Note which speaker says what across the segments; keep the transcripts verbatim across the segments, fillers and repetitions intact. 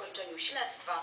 Speaker 1: zakończeniu śledztwa.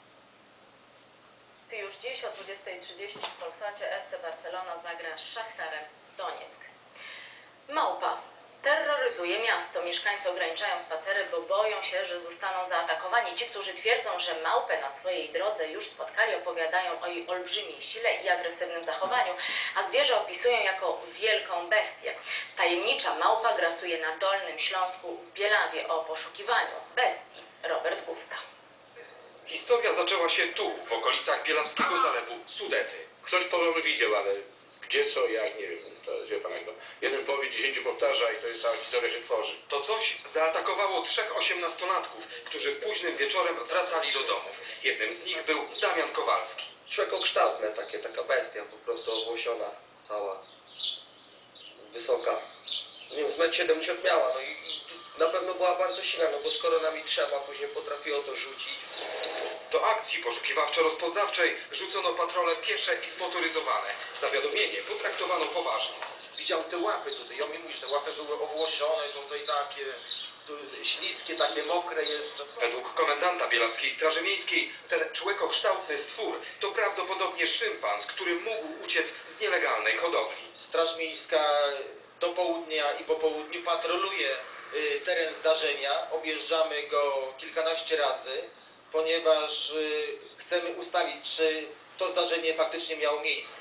Speaker 1: Już dziś o dwudziestej trzydzieści w Polsacie F C Barcelona zagra z Szachtarem Donieck. Małpa terroryzuje miasto. Mieszkańcy ograniczają spacery, bo boją się, że zostaną zaatakowani. Ci, którzy twierdzą, że małpę na swojej drodze już spotkali, opowiadają o jej olbrzymiej sile i agresywnym zachowaniu, a zwierzę opisują jako wielką bestię. Tajemnicza małpa grasuje na Dolnym Śląsku w Bielawie. O poszukiwaniu bestii Robert Gusta.
Speaker 2: Historia zaczęła się tu, w okolicach Bielawskiego Zalewu Sudety.
Speaker 3: Ktoś podobno widział, ale gdzie, co, jak, nie wiem. To jest, wie pan, jakby jeden powie, dziesięciu powtarza i to jest cała historia się tworzy.
Speaker 2: To coś zaatakowało trzech osiemnastolatków, którzy późnym wieczorem wracali do domów. Jednym z nich był Damian Kowalski.
Speaker 4: Człowiekokształtne, takie, taka bestia, po prostu owłosiona, cała, wysoka. Nie wiem, z metr siedemdziesiąt miała, no i na pewno była bardzo silna, no bo skoro nami trzeba, później potrafiło to rzucić.
Speaker 2: Do akcji poszukiwawczo-rozpoznawczej rzucono patrole piesze i zmotoryzowane. Zawiadomienie potraktowano poważnie.
Speaker 5: Widział te łapy tutaj, ja mi mówisz, te łapy były owłosione, tutaj takie tu, śliskie, takie mokre jeszcze.
Speaker 2: Według komendanta Bielawskiej Straży Miejskiej ten człowiekokształtny stwór to prawdopodobnie szympans, który mógł uciec z nielegalnej hodowli.
Speaker 5: Straż Miejska do południa i po południu patroluje y, teren zdarzenia, objeżdżamy go kilkanaście razy, ponieważ y, chcemy ustalić, czy to zdarzenie faktycznie miało miejsce.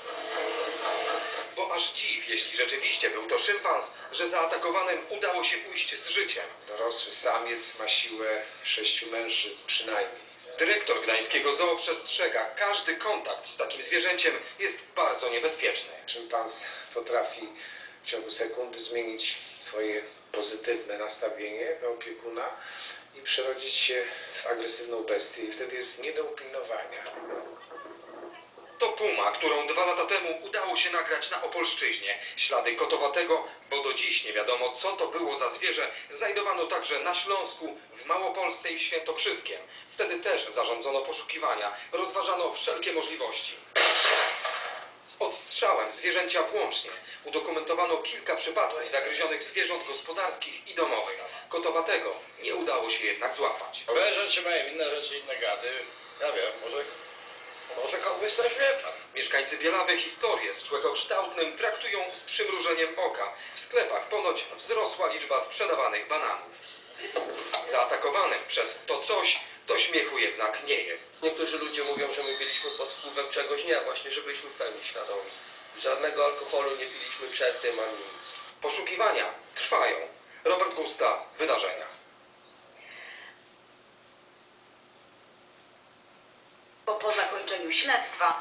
Speaker 2: Bo aż dziw, jeśli rzeczywiście był to szympans, że zaatakowanym udało się ujść z życiem.
Speaker 3: Dorosły samiec ma siłę sześciu mężczyzn przynajmniej.
Speaker 2: Dyrektor gdańskiego zoo przestrzega, każdy kontakt z takim zwierzęciem jest bardzo niebezpieczny.
Speaker 3: Szympans potrafi w ciągu sekundy zmienić swoje pozytywne nastawienie do opiekuna i przerodzić się w agresywną bestię i wtedy jest nie do upilnowania.
Speaker 2: To puma, którą dwa lata temu udało się nagrać na Opolszczyźnie. Ślady kotowatego, bo do dziś nie wiadomo, co to było za zwierzę, znajdowano także na Śląsku, w Małopolsce i w Świętokrzyskiem. Wtedy też zarządzono poszukiwania, rozważano wszelkie możliwości. Z odstrzałem zwierzęcia włącznie udokumentowano kilka przypadków zagryzionych zwierząt gospodarskich i domowych. Kotowatego nie udało się jednak złapać.
Speaker 6: Owe rzeczy mają inne rzeczy, inne gady. Ja wiem, może, może kogoś coś wie pan.
Speaker 2: Mieszkańcy Bielawy historię z człowiekokształtnym traktują z przymrużeniem oka. W sklepach ponoć wzrosła liczba sprzedawanych bananów. Zaatakowanym przez to coś do śmiechu jednak nie jest.
Speaker 4: Niektórzy ludzie mówią, że my byliśmy pod wpływem czegoś, nie, właśnie, że byliśmy w pełni świadomi. Żadnego alkoholu nie piliśmy przed tym, ani nic.
Speaker 2: Poszukiwania trwają. Robert Gusta, Wydarzenia.
Speaker 1: Po, po zakończeniu śledztwa